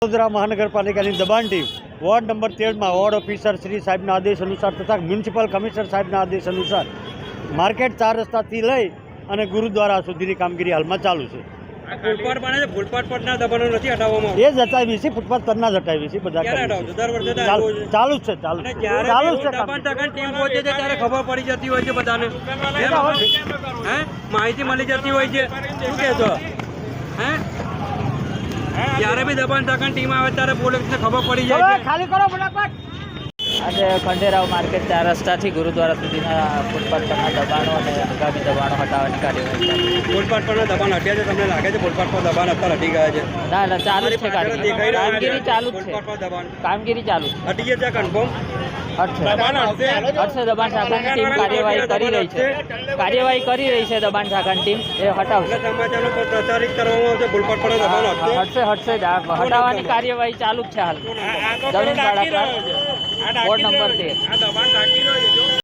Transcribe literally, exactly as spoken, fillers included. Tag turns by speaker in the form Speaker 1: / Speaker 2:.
Speaker 1: વડોદરા મહાનગરપાલિકાની દબાણ team ward number તેરમાં વોર્ડ ઓફિસર શ્રી સાહેબના આદેશ અનુસાર તથા મ્યુનિસિપલ કમિશનર સાહેબના આદેશ અનુસાર માર્કેટ ચાર રસ્તાથી લઈ અને ગુરુદ્વારા સુધીની કામગીરી હાલમાં ચાલુ છે.
Speaker 2: ફૂટપાથ બને છે, ફૂટપાથ પરના દબાણો નથી હટાવવામાં
Speaker 1: એ જ હટાવી છે, ફૂટપાથ પરના જ હટાવી છે, બધા
Speaker 2: ક્યારે
Speaker 1: કરીએ
Speaker 2: હટાવશો? દર વર્ષે
Speaker 1: છીએ.
Speaker 2: તો
Speaker 1: ચાલુ
Speaker 2: આવું છે.
Speaker 1: ચાલુ જ છે ચાલુ
Speaker 2: અને
Speaker 1: છે
Speaker 2: જ્યારે
Speaker 1: ચાલુ જ
Speaker 2: એવું
Speaker 1: છે કામ.
Speaker 2: દબાણ તકન ટીમ પહોંચે છે ત્યારે ખબર પડી જતી હોય છે બધાને હે માહિતી મળી જતી હોય છે. શું કહેશો હે જ્યારે બી દબાણ તકન ટીમ આવે ત્યારે પોલીસને ખબર પડી જાય છે.
Speaker 1: ખાલી કરો ફટાફટ.
Speaker 3: આજે ખંડેરાવ માર્કેટ ચાર રસ્તાથી ગુરુદ્વારા સુધીના ફૂટપાથ પરના દબાણો અને આગામી દબાણો હટાવવાની કાર્યવાહી ચાલુ છે.
Speaker 2: ફૂટપાથ પરના દબાણ હટ્યા છે, તમને લાગે છે ફૂટપાથ પર દબાણ અત્યારે હટી ગયા છે?
Speaker 3: ના ના ચાલુ જ છે
Speaker 2: પાછળ દેખાઈ
Speaker 3: કામગીરી
Speaker 2: રહ્યું છે
Speaker 3: કામગીરી ચાલુ જ
Speaker 2: ફૂટપાથ પર
Speaker 3: છે
Speaker 2: દબાણ
Speaker 3: કામગીરી ચાલુ છે.
Speaker 2: હટી ગયા છે કન્ફર્મ?
Speaker 3: હટશે
Speaker 2: દબાણ હટશે
Speaker 3: હટશે દબાણ શાખાની ટીમ કાર્યવાહી કરી રહી છે કાર્યવાહી કરી રહી છે દબાણ શાખાની ટીમ એ હટાવશે.
Speaker 2: એટલે સમાચારનો પર પ્રચારિત કરવામાં આવશે ફૂટપાથ પર દબાણ હટશે.
Speaker 3: હટશે હટશે જ. આ હટાવવાની કાર્યવાહી ચાલુ જ છે હાલ. જમીન ભાડા પર વોર્ડ નંબર તેર.
Speaker 2: આ દબાણ ઢાંકી રહ્યો છે જો